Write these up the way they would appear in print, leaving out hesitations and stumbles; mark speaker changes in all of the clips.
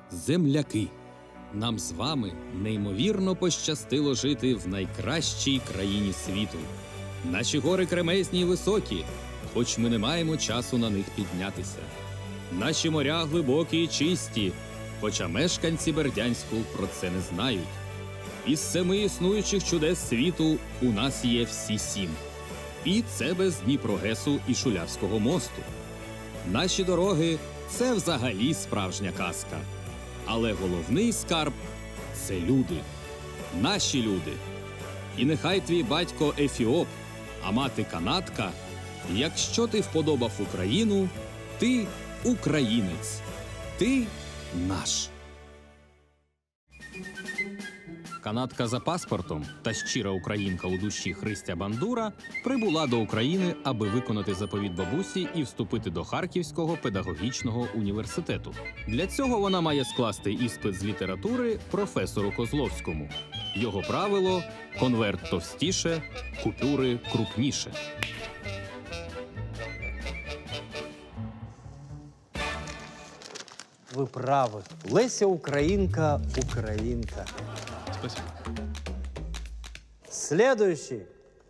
Speaker 1: земляки. Нам з вами неймовірно пощастило жити в найкращій країні світу. Наші гори кремезні й високі, хоч ми не маємо часу на них піднятися. Наші моря глибокі й чисті, хоча мешканці Бердянську про це не знають. Із 7 існуючих чудес світу у нас є всі 7. І це без Дніпрогесу і Шулявського мосту. Наші дороги – це взагалі справжня казка. Але головний скарб – це люди. Наші люди. І нехай твій батько ефіоп, а мати канадка, якщо ти вподобав Україну, ти українець. Ти наш. Канадка за паспортом та щира українка у душі Христя Бандура прибула до України, аби виконати заповіт бабусі і вступити до Харківського педагогічного університету. Для цього вона має скласти іспит з літератури професору Козловському. Його правило – конверт товстіше, купюри крупніше.
Speaker 2: Вы правы. Леся Украинка, Украинка.
Speaker 1: Спасибо.
Speaker 2: Следующий.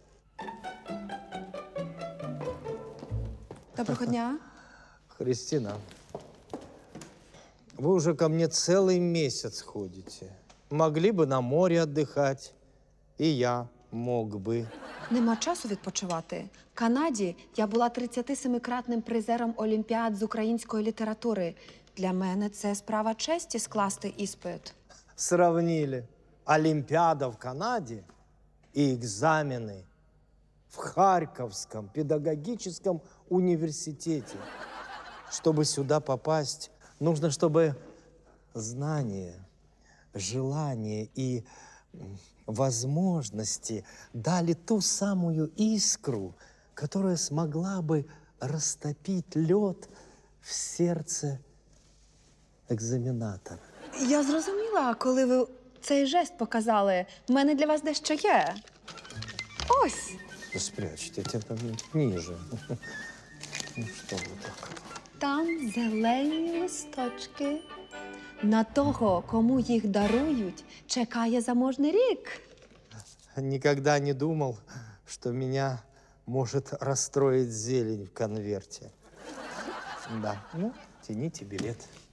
Speaker 3: Доброго дня.
Speaker 2: Христина, вы уже ко мне целый месяц ходите. Могли бы на море отдыхать. И я мог бы.
Speaker 3: Нема часу відпочивати. В Канаді я була 37-кратним призером Олімпіад з української літератури. Для мене це справа честі скласти іспит.
Speaker 2: Сравнили Олимпиада в Канаде и экзамены в Харьковском педагогическом университете. Чтобы сюда попасть, нужно, чтобы знания, желания и возможности дали ту самую искру, которая смогла бы растопить лед в сердце экзаменатора.
Speaker 3: Я зрозуміла, коли ви цей жест показали. В мене для вас дещо є. Ось.
Speaker 2: Да спрячьте, это там ниже. Ну что вы так?
Speaker 3: Там зелені листочки. На того, кому їх дарують, чекає заможний рік.
Speaker 2: Никогда не думал, что меня может расстроить зелень в конверте. Да, ну, тяните билет.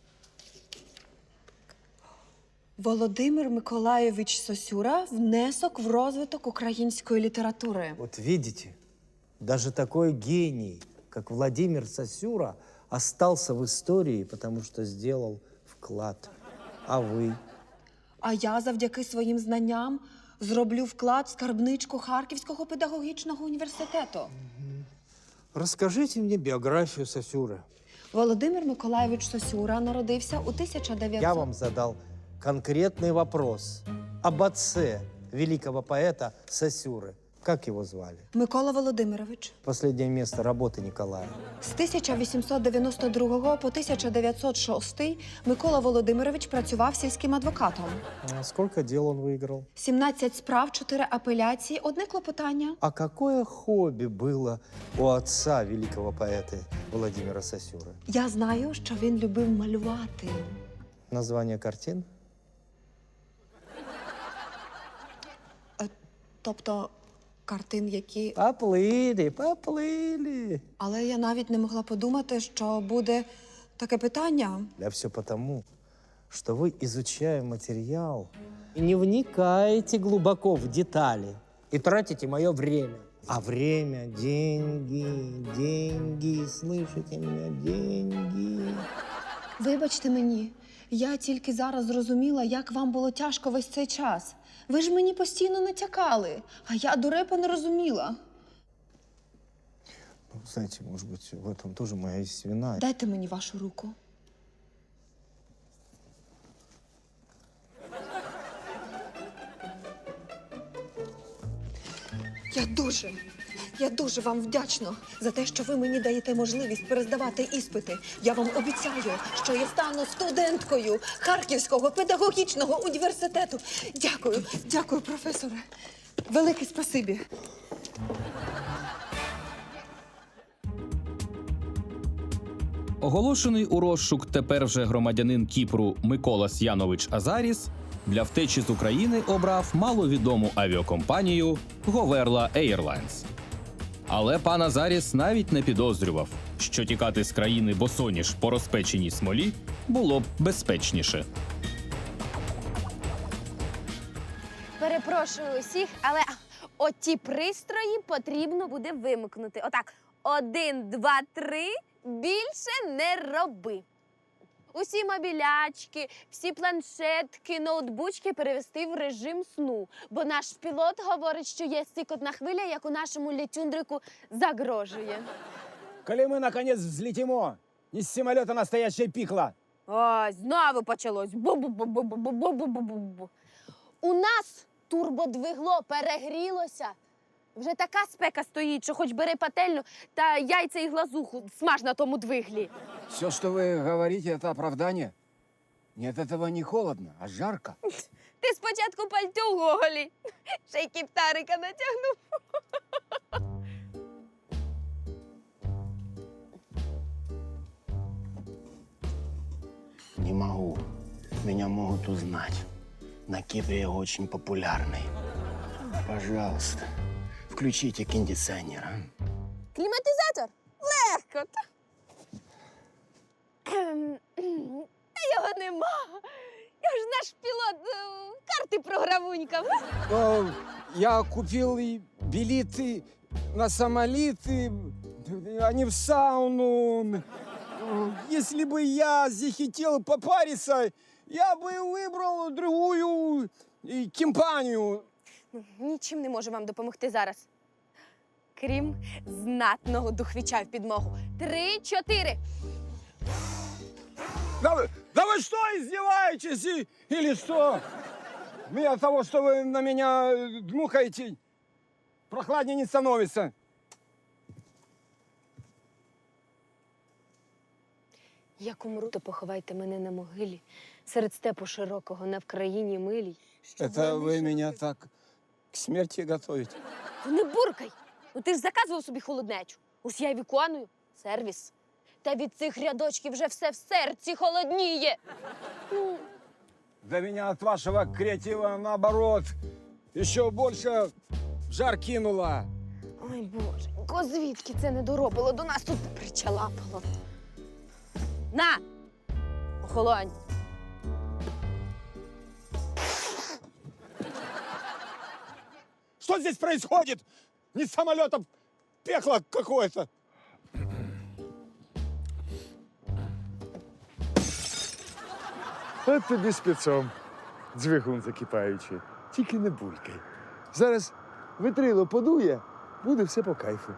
Speaker 3: Володимир Миколайович Сосюра – внесок в розвиток української літератури.
Speaker 2: Вот видите, даже такой гений, как Владимир Сосюра, остался в истории, потому что сделал вклад. А вы?
Speaker 3: А я завдяки своїм знанням зроблю вклад в скарбничку Харківського педагогічного університету.
Speaker 2: Расскажите мне биографию Сосюры.
Speaker 3: Володимир Миколайович Сосюра народився у 1900...
Speaker 2: Я вам задал конкретный вопрос об отце великого поэта Сосюры. Как его звали?
Speaker 3: Микола Володимирович.
Speaker 2: Последнее место работы Николая.
Speaker 3: З 1892 по 1906 Микола Володимирович працював сільським адвокатом.
Speaker 2: А сколько дел он выиграл?
Speaker 3: 17 справ, 4 апеляції, 1 клопотання.
Speaker 2: А какое хобби было у отца великого поэта Владимира Сосюры?
Speaker 3: Я знаю, що він любив малювати.
Speaker 2: Название картин?
Speaker 3: Тобто картин, які...
Speaker 2: Поплыли, поплыли.
Speaker 3: Але я навіть не могла подумати, що буде таке питання.
Speaker 2: Да все потому, что вы, изучая материал, не вникаете глубоко в детали и тратите мое время. А время – деньги, деньги, слышите меня, деньги.
Speaker 3: Вибачте мені, я тільки зараз зрозуміла, як вам було тяжко весь цей час. Ви ж мені постійно натякали, а я дурепа не розуміла.
Speaker 2: Ну, знаете, может быть, в этом тоже моя есть вина.
Speaker 3: Дайте мені вашу руку. Я дуже вам вдячна за те, що ви мені даєте можливість перездавати іспити. Я вам обіцяю, що я стану студенткою Харківського педагогічного університету. Дякую, професоре. Велике спасибі.
Speaker 1: Оголошений у розшук тепер вже громадянин Кіпру Микола Янович Азаріс для втечі з України обрав маловідому авіакомпанію Говерла Airlines. Але пан Азаріс навіть не підозрював, що тікати з країни босоніж по розпеченій смолі було б безпечніше.
Speaker 4: Перепрошую усіх, але оті пристрої потрібно буде вимкнути. Отак, 1, 2, 3, більше не роби. Усі мобілячки, всі планшетки, ноутбучки перевести в режим сну. Бо наш пілот говорить, що є сикотна хвиля, як у нашому летюндрику загрожує.
Speaker 5: Коли ми, наконец, взлетимо, із самолета настоящее пікло.
Speaker 4: Ой, знову почалось. Бу-бу-бу-бу-бу-бу-бу-бу-бу. У нас турбодвигло перегрілося. Вже така спека стоїть, що хоч бери пательню та яйця і глазуху смаж на тому двиглі.
Speaker 5: Все, что вы говорите, это оправдание? Нет, этого не холодно, а жарко.
Speaker 4: Ти спочатку пальто в гоголі, ще й кіптарика натягнув.
Speaker 6: Не могу. Меня могут узнать. На Кипре я очень популярный. Пожалуйста, включите кондиционер. А?
Speaker 4: Кліматизатор? Легко. Та його нема. Я ж наш пілот карти програвунькав.
Speaker 5: Я купил и билеты на самолеты, а не в сауну. Если бы я захотел попариться, я бы выбрал другую компанию.
Speaker 4: Нічим не можу вам допомогти зараз. Крім знатного духвіча в підмогу. 3, 4.
Speaker 5: Да вы что, издеваетесь или что? Мне от того, что вы на меня дмухаете, прохладнее не становится.
Speaker 4: Як умру, то поховайте мене на могилі, серед степу широкого, на Вкраїні милій.
Speaker 5: Это вы меня так к смерти готовите?
Speaker 4: Ну не буркай! Ну ти ж заказував собі холоднечу. Ось я й виконую. Сервіс. Та від цих рядочків вже все в серці холодніє.
Speaker 5: Да меня от вашего креатива, наоборот, еще больше в жар кинуло.
Speaker 4: Ой, боженько, звідки це не доробило? До нас тут причалапало. На! Охолонь.
Speaker 5: Что здесь происходит? Не с самолета, пекло какое-то.
Speaker 7: От тобі спецом, двигун закипаючий. Тільки не булькай. Зараз витрило подує, буде все по кайфу.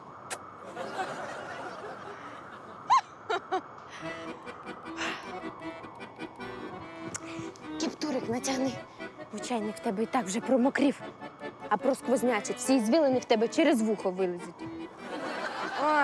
Speaker 4: Кіптурик натягни. Бо чайник в тебе і так вже промокрів. А просквознячить. Всі звілини в тебе через вухо вилезуть. О,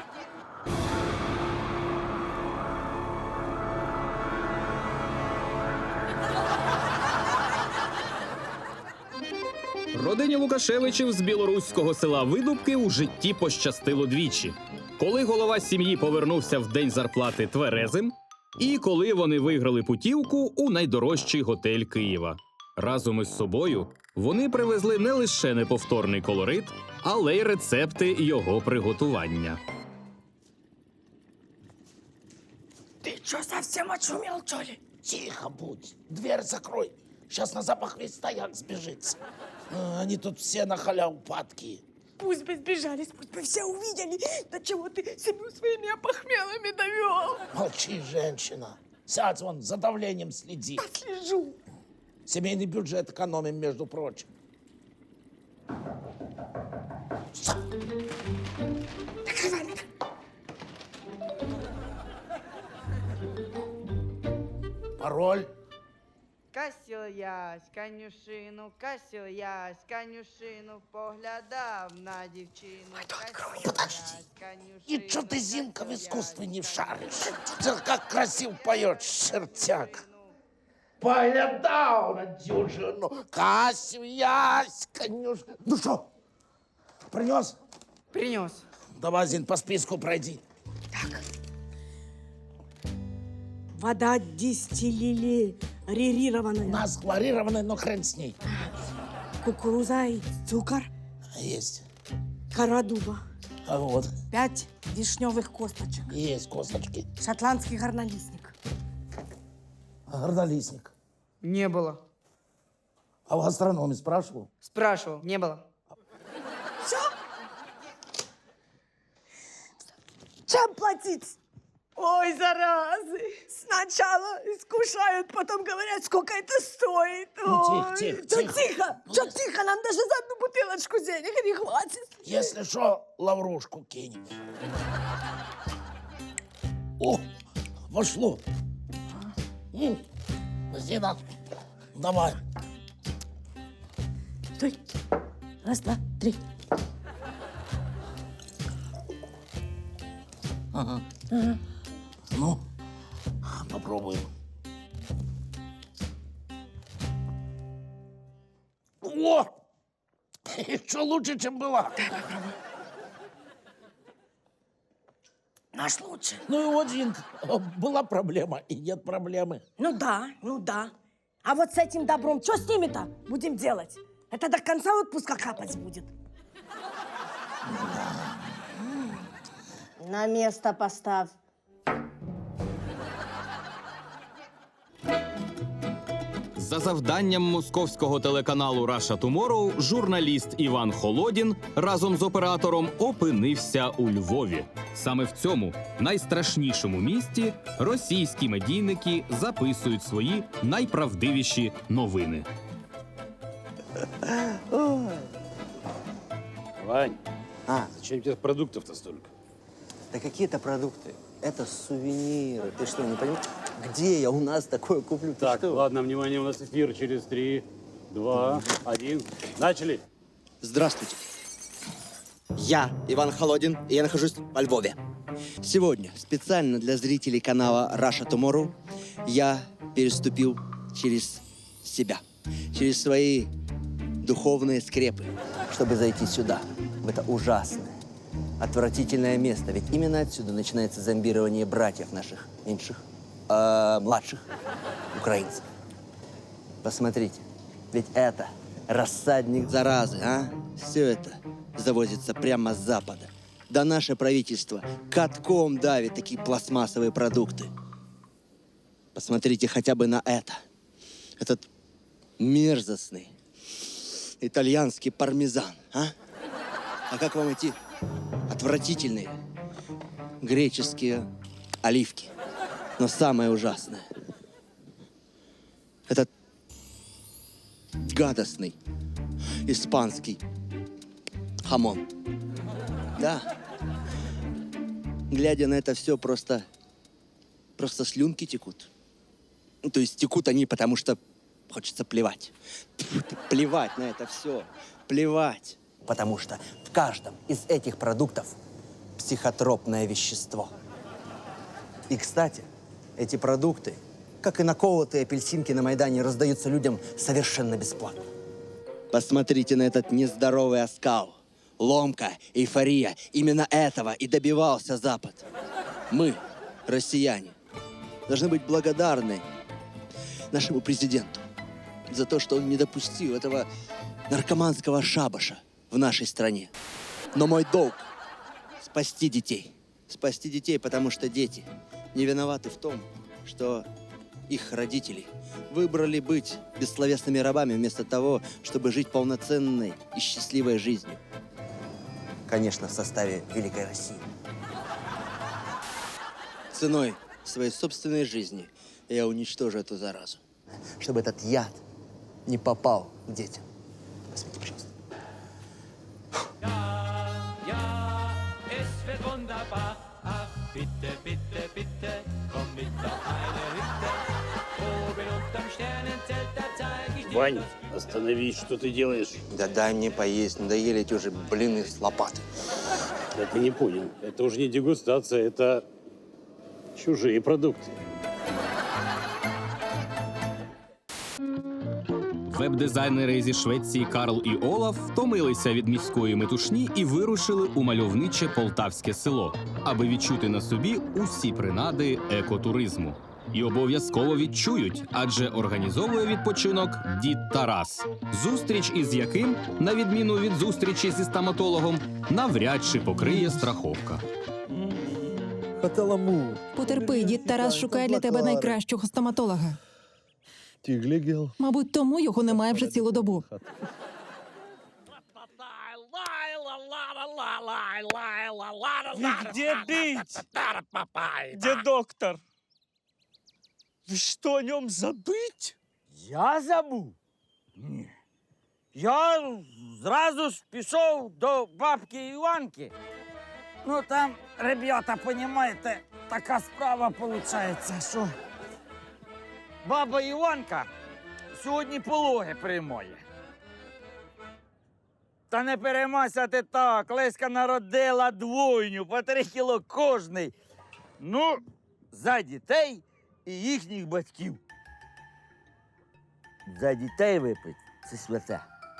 Speaker 1: Родині Лукашевичів з білоруського села Видубки у житті пощастило двічі. Коли голова сім'ї повернувся в день зарплати тверезим, і коли вони виграли путівку у найдорожчий готель Києва. Разом із собою вони привезли не лише неповторний колорит, але й рецепти його приготування.
Speaker 8: Ты что, совсем очумел, что ли?
Speaker 6: Тихо будь, дверь закрой. Сейчас на запах весь стояк сбежится. Они тут все на халяву падки.
Speaker 8: Пусть бы сбежались, пусть бы все увидели. Да чего ты семью своими опохмелами довел?
Speaker 6: Молчи, женщина. Сядь вон, за давлением следи.
Speaker 8: Слежу.
Speaker 6: Семейный бюджет экономим, между прочим. Пароль.
Speaker 9: Косилась конюшину, косилась конюшину, поглядав на дівчину.
Speaker 6: Подожди. И что ты, Зинка, в искусстве не шаришь? Ты как красиво поешь, чертяк. Поглядал на дюжину, косилась конюшину. Ну что, принес?
Speaker 9: Принес.
Speaker 6: Давай, Зин, по списку пройди.
Speaker 8: Вода дистиллированная.
Speaker 10: У нас хлорированный, но хрен с ней.
Speaker 8: Кукуруза и цукор.
Speaker 10: Есть.
Speaker 8: Кора дуба.
Speaker 10: А вот,
Speaker 8: 5 вишневых косточек.
Speaker 10: есть косточки.
Speaker 8: Шотландский горнолистник.
Speaker 10: Горнолистник.
Speaker 9: Не было.
Speaker 10: А в гастрономе спрашивал?
Speaker 9: Спрашивал, не было.
Speaker 8: Все? Чем платить? Ой, заразы! Сначала искушают, потом говорят, сколько это стоит.
Speaker 10: Ну,
Speaker 8: Ой,
Speaker 10: тихо,
Speaker 8: да
Speaker 10: тихо.
Speaker 8: тихо! Чё тихо? Нам даже за одну бутылочку денег не хватит.
Speaker 10: Если что, лаврушку кинем. О, вошло. Зина, давай.
Speaker 8: Стой. Раз, два, три.
Speaker 10: Ага. Ну, попробуем. О! Еще лучше, чем была.
Speaker 8: Наш лучше.
Speaker 10: Ну и вот, Зин, была проблема, и нет проблемы.
Speaker 8: Ну да. А вот с этим добром, что с ними-то будем делать? Это до конца отпуска капать будет. На место поставь.
Speaker 1: За завданням московського телеканалу Russia Tomorrow журналіст Іван Холодін разом з оператором опинився у Львові. Саме в цьому найстрашнішому місті російські медійники записують свої найправдивіші новини.
Speaker 11: Вань, зачем тебе продуктов-то столько?
Speaker 6: Да какие-то продукты. Это сувениры. Ты что, не понимаешь? Где я у нас такое куплю? Ты
Speaker 11: Так,
Speaker 6: что?
Speaker 11: ладно, внимание, у нас эфир через 3, 2, 1. Начали.
Speaker 6: Здравствуйте. Я Иван Холодин, и я нахожусь во Львове. Сегодня специально для зрителей канала Russia Tomorrow я переступил через себя, через свои духовные скрепы, чтобы зайти сюда, в это ужасное, отвратительное место. Ведь именно отсюда начинается зомбирование братьев наших меньших, младших украинцев. Посмотрите, ведь это рассадник заразы, а? Все это завозится прямо с запада. Да наше правительство катком давит такие пластмассовые продукты. Посмотрите хотя бы на это. Этот мерзостный итальянский пармезан, а? А как вам эти отвратительные греческие оливки? Но самое ужасное – этот гадостный испанский хамон. Да. Глядя на это все, просто слюнки текут. Ну, то есть текут они, потому что хочется плевать. Плевать на это все. Плевать. Потому что в каждом из этих продуктов психотропное вещество. И, кстати, эти продукты, как и наколотые апельсинки на Майдане, раздаются людям совершенно бесплатно. Посмотрите на этот нездоровый оскал. Ломка, эйфория. Именно этого и добивался Запад. Мы, россияне, должны быть благодарны нашему президенту за то, что он не допустил этого наркоманского шабаша в нашей стране. Но мой долг – спасти детей. Спасти детей, потому что дети не виноваты в том, что их родители выбрали быть бессловесными рабами вместо того, чтобы жить полноценной и счастливой жизнью. Конечно, в составе Великой России. Ценой своей собственной жизни я уничтожу эту заразу. Чтобы этот яд не попал к детям. Посмотрите, пожалуйста.
Speaker 11: Вань, остановись, что ты делаешь?
Speaker 6: Да дай мне поесть, надоели эти уже блины с лопаты.
Speaker 11: Да ты не понял. Это уже не дегустация, это чужие продукты.
Speaker 1: Веб-дизайнери зі Швеції Карл і Олаф втомилися від міської метушні і вирушили у мальовниче полтавське село, аби відчути на собі усі принади екотуризму. і обов'язково відчують, адже організовує відпочинок дід Тарас. Зустріч із яким, на відміну від зустрічі зі стоматологом, навряд чи покриє страховка.
Speaker 12: Потерпи, дід Тарас шукає для тебе найкращого стоматолога. Мабуть, тому його немає вже цілу добу.
Speaker 2: Где бить? Где доктор? Вы что, о нем забыть?
Speaker 10: Я забув? Ні. Я зразу ж пішов до бабки Іванки. Ну там, ребята, понімаєте, така справа виходить, що баба Іванка сьогодні пологи приймає. Та не переймайся ти так, Леська народила двойню, по 3 кіло кожний. Ну, за дітей і їхніх батьків. За дітей випить – це святе.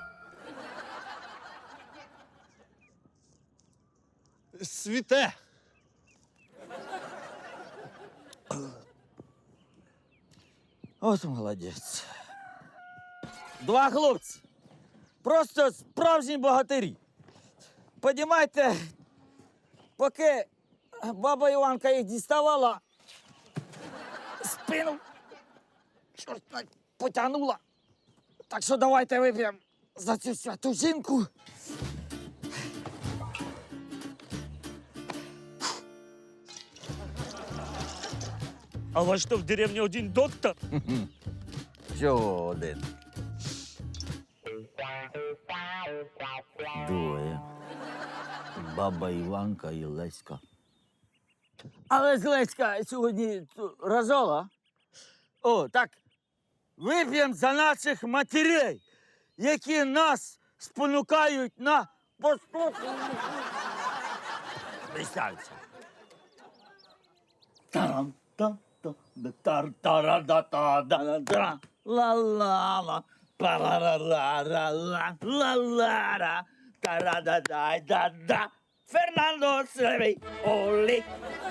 Speaker 7: Світе.
Speaker 10: От молодець. 2 хлопці. Просто справжні богатирі. Понімаєте, поки баба Іванка їх діставала, спину чорт потягнула. Так що давайте вип'ємо за цю святу жінку.
Speaker 2: А у вас что, в деревне один доктор?
Speaker 10: Чого один? Двоє. Баба Іванка і Леська. Але ж Леська сьогодні рожала. О, так, вип'ємо за наших матерей, які нас спонукають на поступки. Представся. Тарам-там-там-тар-тара-да-та-да-да-да. Ла-ла-ла, па-ра-ра-ра-ра-ла, ла-ла-ра, та-ра-да-да-да-да. Фернандо Севей, олі.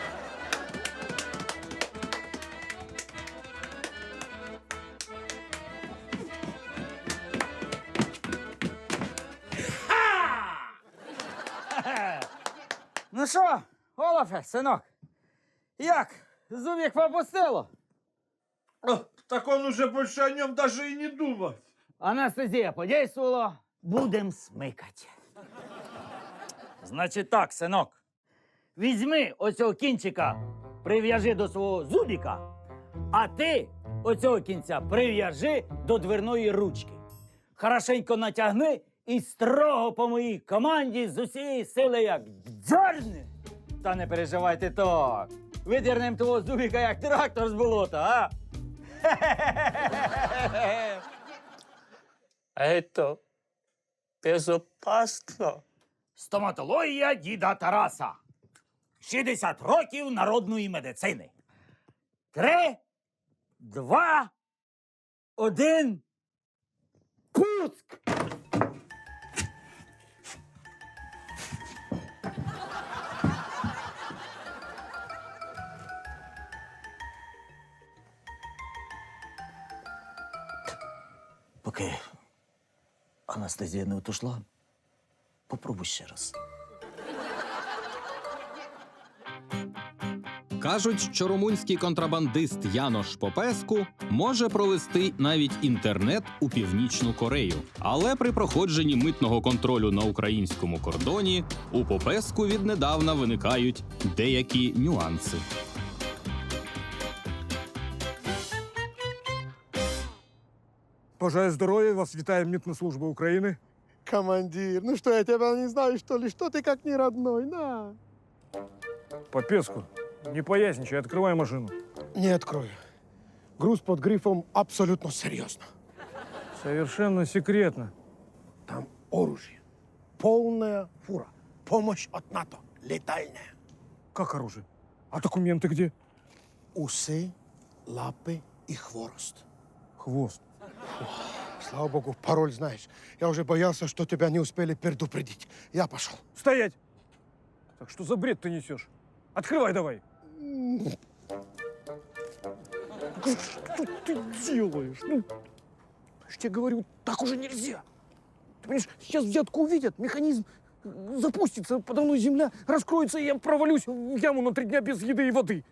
Speaker 10: Ну що, Олафе, синок, як? Зубик попустило?
Speaker 7: Так он уже больше о нем даже и не думает.
Speaker 10: Анестезія подействувала, будем смикати. Значить так, синок. Візьми оцього кінчика, прив'яжи до свого зубіка, а ти оцього кінця прив'яжи до дверної ручки. Хорошенько натягни і строго по моїй команді з усієї сили як дзьорни. Та не переживайте так. Видірнем того зубіка як трактор з болота, а?
Speaker 2: А это безопасно.
Speaker 10: Стоматологія діда Тараса. 60 років народної медицини. 3, 2, 1. Пуск! Поки анестезія не отошла, попробуй ще раз.
Speaker 1: Кажуть, що румунський контрабандист Янош Попеску може провести навіть інтернет у Північну Корею. Але при проходженні митного контролю на українському кордоні у Попеску віднедавна виникають деякі нюанси.
Speaker 5: Бажаю здоров'я, вас вітає Митна служба України.
Speaker 7: Командир, ну что, я тебя не знаю, что ли? Что ты как не родной, на?
Speaker 5: Попеску, не поясничай, открывай машину.
Speaker 7: Не открою. Груз под грифом абсолютно серьезно.
Speaker 5: Совершенно секретно.
Speaker 7: Там оружие. Полная фура. Помощь от НАТО. Летальная.
Speaker 5: Как оружие? А документы где?
Speaker 7: Усы, лапы и хворост.
Speaker 5: Хвост.
Speaker 7: Слава богу, пароль знаешь. Я уже боялся, что тебя не успели предупредить. Я пошел.
Speaker 5: Стоять! Так что за бред ты несешь? Открывай давай. Что ты делаешь? Ну, я ж тебе говорю, так уже нельзя. Ты понимаешь, сейчас взятку увидят, механизм запустится, подо мной земля раскроется, и я провалюсь в яму на 3 дня без еды и воды.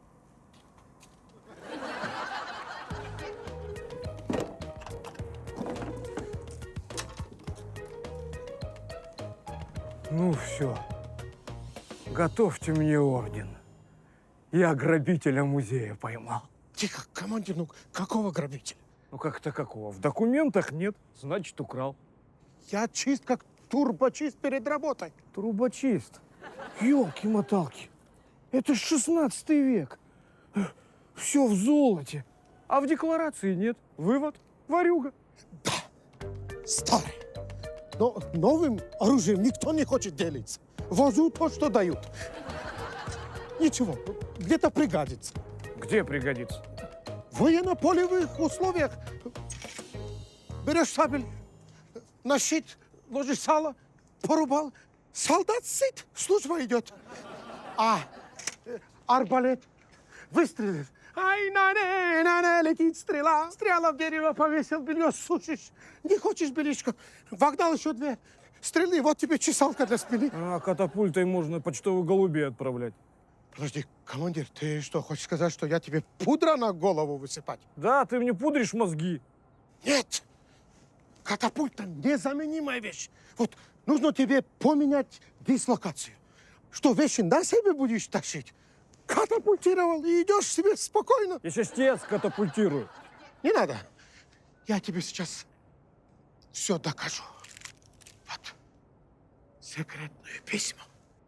Speaker 5: Ну все, готовьте мне орден. Я грабителя музея поймал.
Speaker 13: Тихо, командир, ну какого грабителя?
Speaker 5: Ну как-то какого? В документах нет, значит украл.
Speaker 13: Я чист, как турбочист перед работой.
Speaker 5: Трубочист. Ёлки-моталки. Это ж 16 век. Все в золоте. А в декларации нет. Вывод – ворюга.
Speaker 13: Старый. Но новым оружием никто не хочет делиться. Возу то, что дают. Ничего, где-то пригодится.
Speaker 5: Где пригодится?
Speaker 13: В военно-полевых условиях берешь сабель, на щит ложишь сало, порубал, солдат сыт, служба идет. А арбалет выстрелит. Ай, на, летит стрела. Стрела в дерево повесил, белье сушишь. Не хочешь бельишко? Вогнал еще 2 стрелы, вот тебе чесалка для спины.
Speaker 5: А катапультой можно почтовых голубей отправлять.
Speaker 13: Подожди, командир, ты что, хочешь сказать, что я тебе пудра на голову высыпать?
Speaker 5: Да, ты мне пудришь мозги.
Speaker 13: Нет! Катапульта – незаменимая вещь. Вот нужно тебе поменять дислокацию. Что, вещи на себе будешь тащить? Катапультировал и идешь себе спокойно.
Speaker 5: Я сейчас тебя скатапультирую.
Speaker 13: Не надо. Я тебе сейчас все докажу. Вот. Секретное письмо.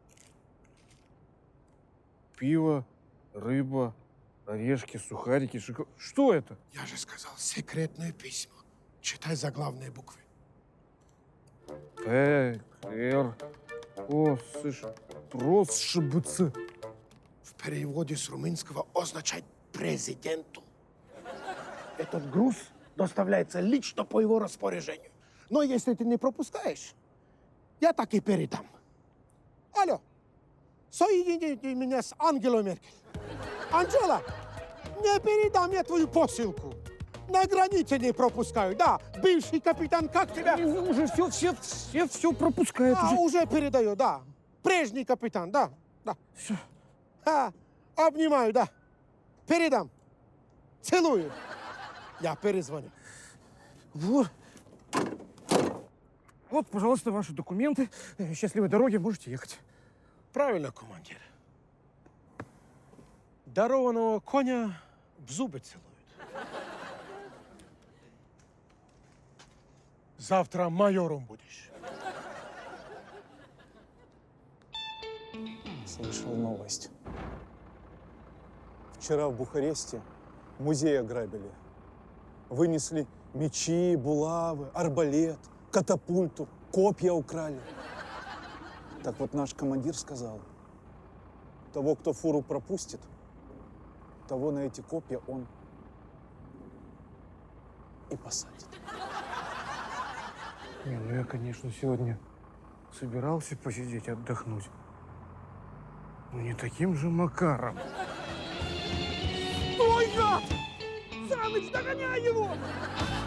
Speaker 5: Пиво, рыба, орешки, сухарики, шоколад. Что это?
Speaker 13: Я же сказал, секретное письмо. Читай заглавные буквы.
Speaker 5: П, Р, О, С, Рос, ШБЦ.
Speaker 13: В переводе с румынского означает президенту. Этот груз доставляется лично по его распоряжению. Но если ты не пропускаешь, я так и передам. Алло, соедините меня с Ангелой Меркель. Анжела, не передам я твою посылку. На границе не пропускаю. Да, бывший капитан, как тебя?
Speaker 5: Уже все пропускают.
Speaker 13: Уже передаю, да. Прежний капитан, да.
Speaker 5: Все.
Speaker 13: Обнимаю, да. Передам. Целую. Я перезвоню.
Speaker 5: Вот. Вот, пожалуйста, ваши документы. Счастливой дороги, можете ехать.
Speaker 13: Правильно, командир. Дарованного коня в зубы целуют. Завтра майором будешь.
Speaker 14: Слышал новость. Вчера в Бухаресте музей ограбили. Вынесли мечи, булавы, арбалет, катапульту, копья украли. Так вот наш командир сказал, того, кто фуру пропустит, того на эти копья он и посадит.
Speaker 5: Не, ну я, конечно, сегодня собирался посидеть, отдохнуть. Но не таким же макаром.
Speaker 13: Ой, гад! Саныч, догоняй его!